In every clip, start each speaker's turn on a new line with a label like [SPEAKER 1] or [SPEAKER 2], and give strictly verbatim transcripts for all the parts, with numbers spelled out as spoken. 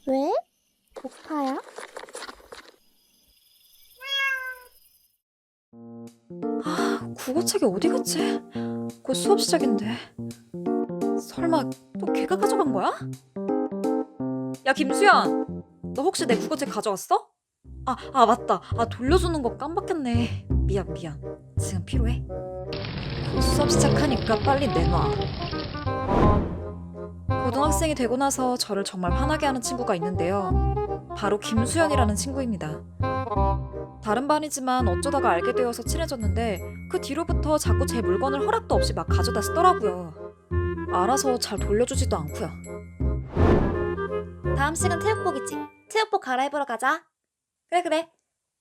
[SPEAKER 1] 왜? 고파요?
[SPEAKER 2] 아, 국어책이 어디 갔지? 곧 수업 시작인데. 설마 또 걔가 가져간 거야? 야, 김수현! 너 혹시 내 국어책 가져왔어? 아, 아 맞다. 아, 돌려주는 거 깜빡했네. 미안, 미안. 지금 필요해? 곧 수업 시작하니까 빨리 내놔. 고등학생이 되고 나서 저를 정말 화나게 하는 친구가 있는데요. 바로 김수현이라는 친구입니다. 다른 반이지만 어쩌다가 알게 되어서 친해졌는데 그 뒤로부터 자꾸 제 물건을 허락도 없이 막 가져다 쓰더라고요. 알아서 잘 돌려주지도 않고요. 다음 시간 체육복이지? 체육복 갈아입으러 가자. 그래 그래.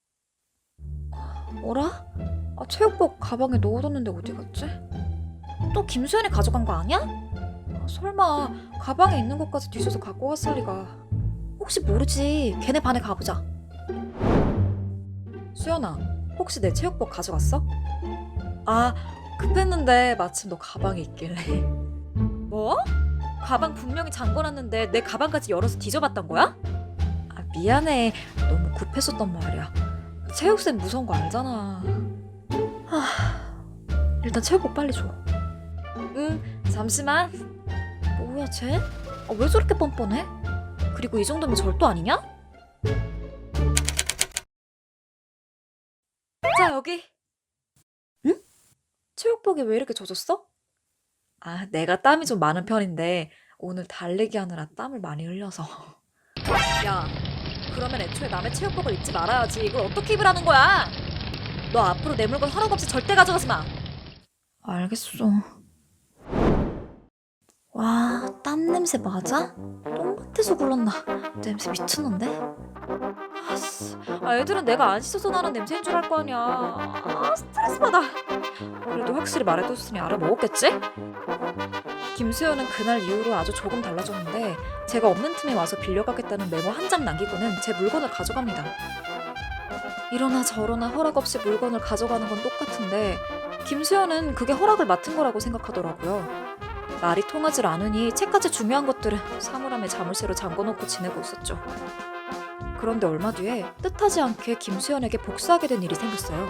[SPEAKER 2] 뭐라? 아, 체육복 가방에 넣어뒀는데 어디 갔지? 또 김수현이 가져간 거 아니야? 아, 설마 가방에 있는 것까지 뒤져서 갖고 왔을 리가. 혹시 모르지. 걔네 반에 가보자. 수연아, 혹시 내 체육복 가져갔어? 아, 급했는데 마침 너 가방에 있길래. 뭐? 가방 분명히 잠궈놨는데 내 가방까지 열어서 뒤져봤던 거야? 아, 미안해. 너무 급했었단 말이야. 체육쌤 무서운 거 알잖아. 하, 일단 체육복 빨리 줘. 응, 잠시만. 뭐야 쟤? 아, 왜 저렇게 뻔뻔해? 그리고 이 정도면 절도 아니냐? 자, 여기. 응? 체육복이 왜 이렇게 젖었어? 아, 내가 땀이 좀 많은 편인데 오늘 달리기 하느라 땀을 많이 흘려서. 야, 그러면 애초에 남의 체육복을 입지 말아야지. 이걸 어떻게 입으라는 거야? 너 앞으로 내 물건 허락 없이 절대 가져가지 마. 알겠어. 와, 땀 냄새 맞아? 똥밭에서 굴렀나? 냄새 미쳤는데? 아씨, 아, 애들은 내가 안 씻어서 나는 냄새인 줄 알 거 아니야. 아, 스트레스 받아. 그래도 확실히 말해뒀으니 알아먹었겠지? 김수현은 그날 이후로 아주 조금 달라졌는데 제가 없는 틈에 와서 빌려가겠다는 메모 한 장 남기고는 제 물건을 가져갑니다. 이러나 저러나 허락 없이 물건을 가져가는 건 똑같은데 김수현은 그게 허락을 맡은 거라고 생각하더라고요. 말이 통하질 않으니 책까지 중요한 것들은 사물함에 자물쇠로 잠궈놓고 지내고 있었죠. 그런데 얼마 뒤에 뜻하지 않게 김수현에게 복수하게 된 일이 생겼어요.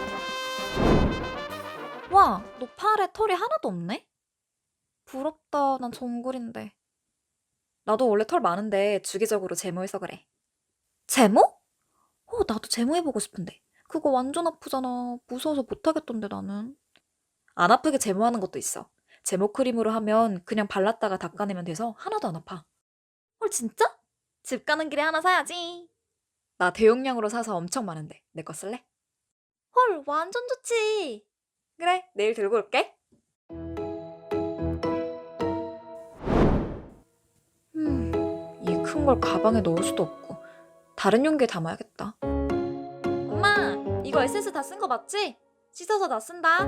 [SPEAKER 2] 와, 너 팔에 털이 하나도 없네? 부럽다. 난 정글인데. 나도 원래 털 많은데 주기적으로 제모해서 그래. 제모? 어, 나도 제모해보고 싶은데. 그거 완전 아프잖아. 무서워서 못하겠던데 나는. 안 아프게 제모하는 것도 있어. 제모 크림으로 하면 그냥 발랐다가 닦아내면 돼서 하나도 안 아파. 헐, 진짜? 집 가는 길에 하나 사야지. 나 대용량으로 사서 엄청 많은데 내 거 쓸래? 헐, 완전 좋지. 그래, 내일 들고 올게. 음, 이 큰 걸 가방에 넣을 수도 없고 다른 용기에 담아야겠다. 엄마, 이거 에센스 다 쓴 거 맞지? 씻어서 다 쓴다.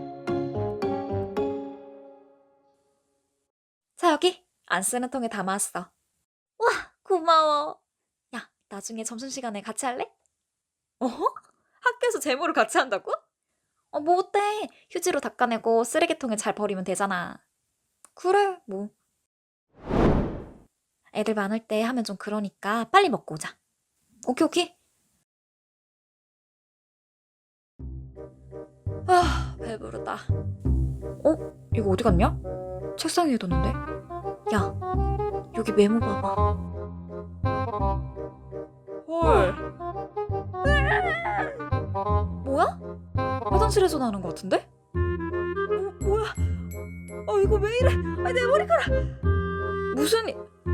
[SPEAKER 2] 자, 여기 안 쓰는 통에 담아왔어. 와, 고마워. 야, 나중에 점심시간에 같이 할래? 어? 학교에서 제모를 같이 한다고? 어, 뭐 어때? 휴지로 닦아내고 쓰레기통에 잘 버리면 되잖아. 그래, 뭐. 애들 많을 때 하면 좀 그러니까 빨리 먹고 오자. 오케이, 오케이. 아, 배부르다. 어? 이거 어디 갔냐? 책상 위에 뒀는데? 야, 여기 메모 봐봐. 헐. 뭐야? 화장실에서 나는 것 같은데? 뭐, 뭐야? 어, 이거 왜 이래? 아, 내 머리카락! 무슨... 일-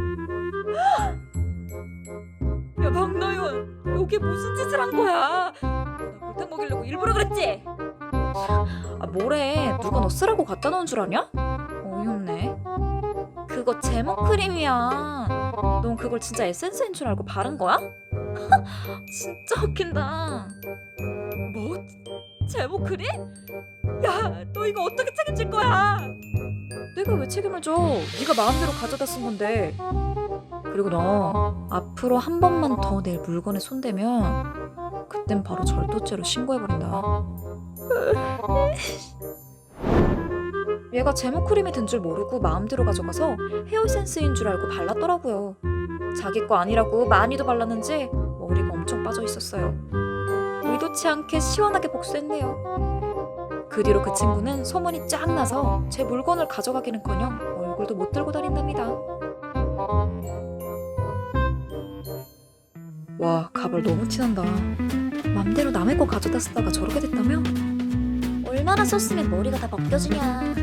[SPEAKER 2] 야, 박나연, 여기 무슨 짓을 한 거야? 너 나 골탕 먹이려고 일부러 그랬지? 아, 뭐래? 누가 너 쓰라고 갖다 놓은 줄 아냐? 어이없네. 그거 제모 크림이야. 넌 그걸 진짜 에센스인 줄 알고 바른 거야? 진짜 웃긴다. 뭐? 제모 크림? 야, 너 이거 어떻게 책임질 거야? 내가 왜 책임을 져? 네가 마음대로 가져다 쓴 건데. 그리고 너 앞으로 한 번만 더 내 물건에 손대면 그땐 바로 절도죄로 신고해버린다. 얘가 제모 크림이 든 줄 모르고 마음대로 가져가서 헤어 에센스인 줄 알고 발랐더라고요. 자기 거 아니라고 많이도 발랐는지 머리가 엄청 빠져 있었어요. 의도치 않게 시원하게 복수했네요. 그 뒤로 그 친구는 소문이 쫙 나서 제 물건을 가져가기는커녕 얼굴도 못 들고 다닌답니다. 와, 가발 너무 티난다. 맘대로 남의 거 가져다 쓰다가 저렇게 됐다며?
[SPEAKER 1] 얼마나 썼으면 머리가 다 벗겨지냐.